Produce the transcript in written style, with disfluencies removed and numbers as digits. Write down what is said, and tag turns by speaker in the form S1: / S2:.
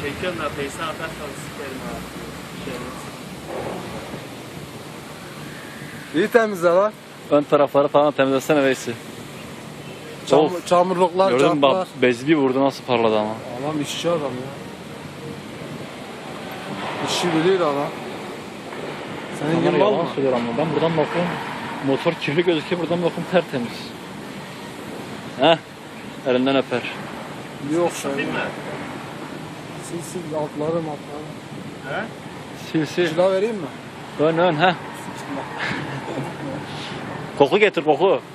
S1: Çekiyorum da Face'e atarsan sikerim abi.
S2: İyi temizle lan.
S3: Ön tarafları falan temizlesene Veysi. Of.
S2: Çamurluklar,
S3: Gördün mü
S2: çaplar.
S3: bak bezi bir vurdu nasıl parladı ama.
S2: Adam işçi adam ya. İşi biliyor adam. Senin
S3: Onlar
S2: gibi mal
S3: yalan
S2: mı?
S3: söylüyor ama ben buradan bakıyorum. Motor kirli gözüküyor buradan bakıyorum tertemiz. Heh. Elinden öper.
S2: Yok
S1: Değil
S2: şey.
S1: mi?
S2: Sil altları.
S1: He?
S3: Sil sil.
S2: Kilo vereyim mi?
S3: Ön heh. Koku getir koku.